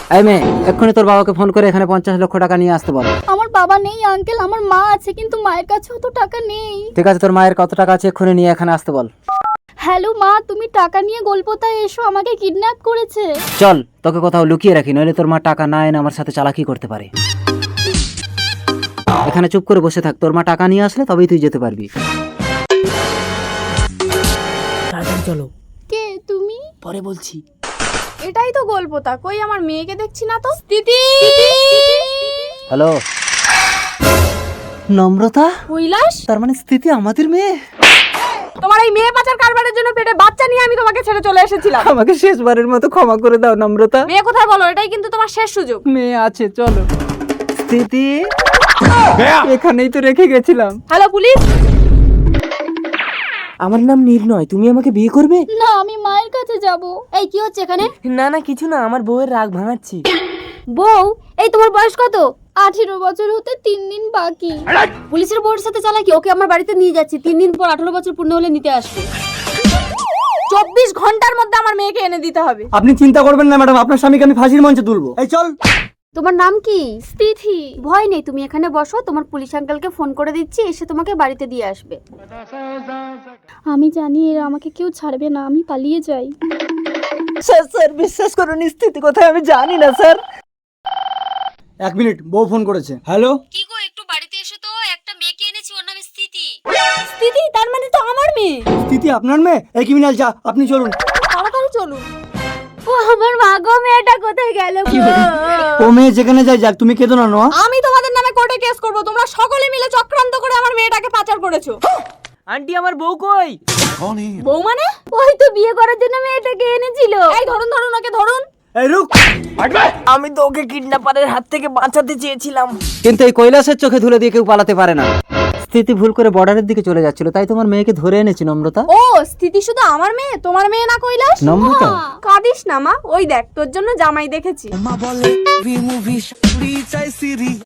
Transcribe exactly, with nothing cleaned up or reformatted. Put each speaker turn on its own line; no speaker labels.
এই মেয়ে, এক্ষুনি তোর বাবাকে ফোন করে এখানে পঞ্চাশ লক্ষ টাকা নিয়ে আসতে বল।
আমার বাবা নেই আঙ্কেল, আমার মা আছে, কিন্তু মায়ের কাছেও তো টাকা নেই।
ঠিক আছে, তোর মায়ের কত টাকা আছে এক্ষুনি নিয়ে এখানে আসতে বল।
হ্যালো মা, তুমি টাকা নিয়ে গোলপোতায় এসো, আমাকে কিডন্যাপ করেছে।
চল, তোকে কোথাও লুকিয়ে রাখি, নইলে তোর মা টাকা না এনে আমার সাথে চালাকি করতে পারে। এখানে চুপ করে বসে থাক, তোর মা টাকা নিয়ে আসলে তবেই তুই যেতে পারবি।
তাড়াতাড়ি চলো,
কে তুমি?
পরে বলছি।
এটাই তো গোলপোতা, কই আমার মেয়েকে দেখছি না তো। স্থিতি,
হ্যালো নম্রতা,
কৈলাস,
তার মানে স্থিতি আমাদের মেয়ে।
তোমার এই মেয়ে পাচার কারবারের জন্য পেটে বাচ্চা নিয়ে আমি তোমাকে ছেড়ে চলে এসেছিলাম।
আমাকে শেষবারের মতো ক্ষমা করে দাও নম্রতা।
মেয়ে কোথায় বলো, এটাই কিন্তু তোমার শেষ সুযোগ।
মেয়ে আছে, চলো। স্থিতি, এখানেই তো রেখে গেছিলাম।
Hello police.
আমার নাম নির্ণয়, তুমি আমাকে বিয়ে করবে?
না, আমি মায়ের কাছে যাব। এই কি হচ্ছে এখানে?
না না কিছু না, আমার বউয়ের রাগ ভাঙাচ্ছি।
বউ? এই তোমার বয়স কত? আঠেরো বছর হতে তিন দিন বাকি। পুলিশের বউর সাথে চালাকি, ওকে আমার বাড়িতে নিয়ে যাচ্ছি, তিন দিন পর আঠারো বছর পূর্ণ হলে নিতে আসবে। চব্বিশ ঘন্টার মধ্যে আমার মেয়েকে এনে দিতে হবে।
আপনি চিন্তা করবেন না ম্যাডাম, আপনার স্বামীকে আমি ফাঁসির মঞ্চে তুলবো। এই চল।
তোমার নাম কি? স্থিতি। ভয় নেই, তুমি এখানে বসো, তোমার পুলিশ আঙ্কেলকে ফোন করে দিচ্ছি, এসে তোমাকে বাড়িতে দিয়ে আসবে। আমি জানি এরা আমাকে কেউ ছাড়বে না, আমি পালিয়ে যাই।
স্যার স্যার বিশ্বাস করুন, স্থিতি কোথায় আমি জানি না স্যার।
এক মিনিট, বউ ফোন করেছে। হ্যালো,
কি গো, একটু বাড়িতে এসো তো, একটা মেয়েকে এনেছি, ওর নাম স্থিতি। স্থিতি? তার মানে তো আমার মেয়ে।
স্থিতি আপনার মেয়ে? এই ক্রিমিনাল, যা আপনি চলুন।
তাড়াতাড়ি চলুন। ও আমার মা গো, মেয়েটা কোথায় গেল গো?
ও মেয়ে যেখানে যায় যাক, তুমি কেঁদো না নোয়া।
আমি তোমাদের নামে কোর্টে কেস করব, তোমরা সকলে মিলে চক্রান্ত করে আমার মেয়েটাকে পাচার করেছো।
আন্টি আমার বউ কই?
বউ মানে? ওই তো বিয়ে করার জন্য মেয়েটাকে এনেছিল। এই ধরুন ধরুন, ওকে ধরুন।
এই রুক।
আমি তো ওকে কিডন্যাপারের হাত থেকে বাঁচাতে চেয়েছিলাম।
কিন্তু এই কৈলাসের চোখে ধুলে দিয়ে কেউ পালাতে পারে না। স্থিতি ভুল করে বর্ডারের দিকে চলে যাচ্ছিল, তাই তোমার মেয়েকে ধরে এনেছি নম্রতা।
ও, স্থিতি শুধু আমার মেয়ে, তোমার মেয়ে না কৈলাস?
নম্রতা।
কাঁদিস না মা, ওই দেখ তোর জন্য জামাই দেখেছি।